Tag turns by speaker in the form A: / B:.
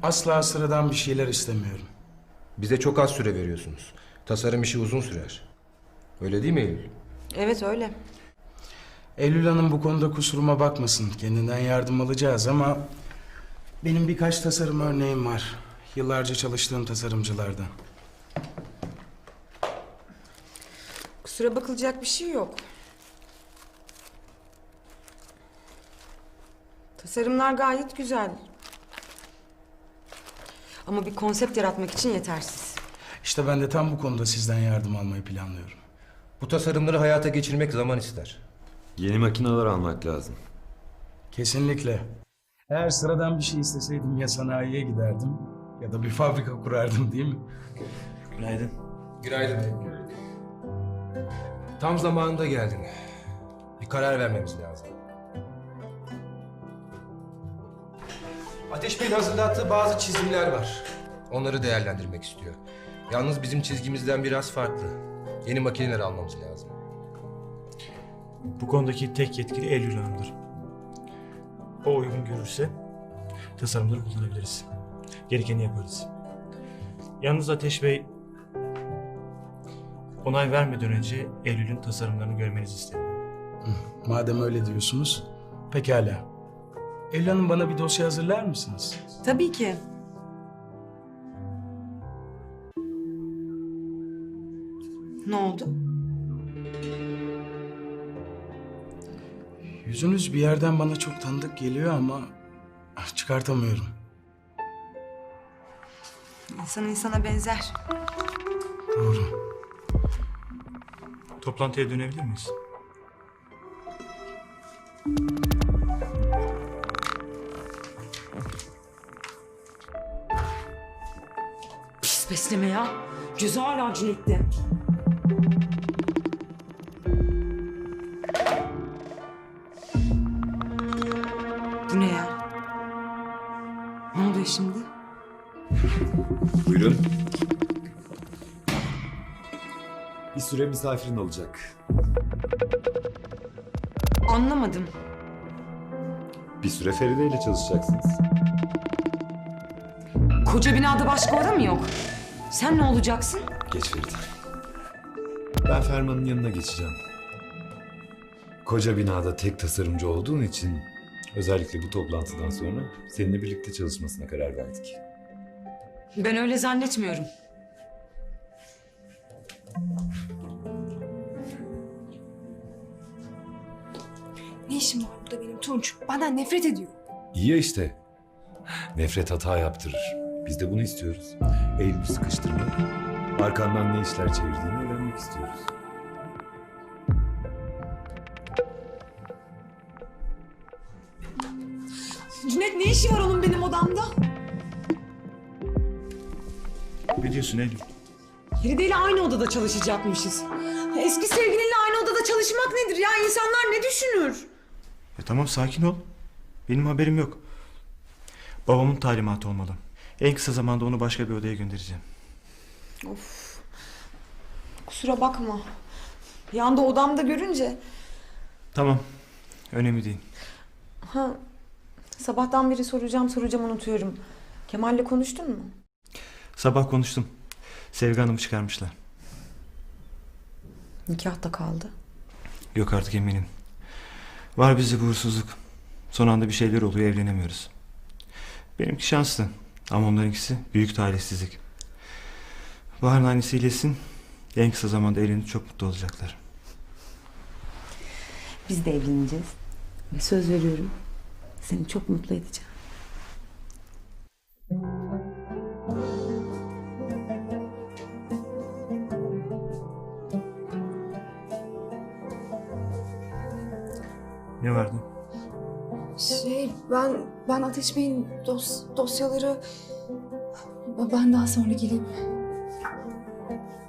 A: Asla sıradan bir şeyler istemiyorum.
B: Bize çok az süre veriyorsunuz. Tasarım işi uzun sürer. Öyle değil mi Eylül?
C: Evet öyle.
A: Eylül Hanım bu konuda kusuruma bakmasın. Kendinden yardım alacağız ama... benim birkaç tasarım örneğim var. Yıllarca çalıştığım tasarımcılardan.
C: Kusura bakılacak bir şey yok. Tasarımlar gayet güzel. Ama bir konsept yaratmak için yetersiz.
A: İşte ben de tam bu konuda sizden yardım almayı planlıyorum.
B: Bu tasarımları hayata geçirmek zaman ister.
D: Yeni makineler almak lazım.
A: Kesinlikle. Eğer sıradan bir şey isteseydim ya sanayiye giderdim ya da bir fabrika kurardım, değil mi?
D: Günaydın.
B: Günaydın. Tam zamanında geldin. Bir karar vermemiz lazım. Ateş Bey'in hazırlattığı bazı çizimler var. Onları değerlendirmek istiyor. Yalnız bizim çizgimizden biraz farklı. Yeni makineler almamız lazım.
E: Bu konudaki tek yetkili Eylül Hanım'dır. O uygun görürse tasarımları kullanabiliriz. Gerekeni yaparız. Yalnız Ateş Bey onay vermeden önce Eylül'ün tasarımlarını görmenizi istedim.
A: Madem öyle diyorsunuz, pekala. Eylül Hanım, bana bir dosya hazırlar mısınız?
C: Tabii ki. Ne oldu?
A: Yüzünüz bir yerden bana çok tanıdık geliyor ama çıkartamıyorum.
C: İnsan insana benzer.
A: Doğru.
E: Toplantıya dönebilir miyiz?
C: Pis besleme ya. Gözü hala cinekti. Bu ne ya? Ne oluyor şimdi?
D: Buyurun. Bir süre misafirin olacak.
C: Anlamadım.
D: Bir süre Feride ile çalışacaksınız.
C: Koca binada başka oda mı yok? Sen ne olacaksın?
D: Geç Feride. Ben Ferman'ın yanına geçeceğim. Koca binada tek tasarımcı olduğun için özellikle bu toplantıdan sonra seninle birlikte çalışmasına karar verdik.
C: Ben öyle zannetmiyorum.
F: Ne işim var burada benim Tunç? Benden nefret ediyor.
D: İyi ya işte. Nefret hata yaptırır. Biz de bunu istiyoruz. Eylül'ü sıkıştırmak, arkandan ne işler çevirdiğini öğrenmek istiyoruz.
F: Cüneyt ne işi var onun benim odamda?
E: Ne diyorsun Eylül?
F: Feride ile aynı odada çalışacakmışız. Eski sevgilinle aynı odada çalışmak nedir ya? İnsanlar ne düşünür?
E: Tamam, sakin ol. Benim haberim yok. Babamın talimatı olmalı. En kısa zamanda onu başka bir odaya göndereceğim.
F: Kusura bakma. Bir anda odamda görünce...
E: Tamam. Önemli değil.
F: Ha, sabahtan beri soracağım unutuyorum. Kemal'le konuştun mu?
E: Sabah konuştum. Sevgi Hanım'ı çıkarmışlar.
F: Nikah da kaldı.
E: Yok artık, eminim. Var bizde bu huysuzluk. Son anda bir şeyler oluyor, evlenemiyoruz. Benimki şanslı ama onlarınkisi büyük talihsizlik. Bahar'ın annesi iyileşsin. En kısa zamanda evlenip çok mutlu olacaklar.
F: Biz de evleneceğiz. Ve söz veriyorum seni çok mutlu edeceğim.
E: Ne vardı?
G: Ben Ateş Bey'in dosyaları... Ben daha sonra geleyim.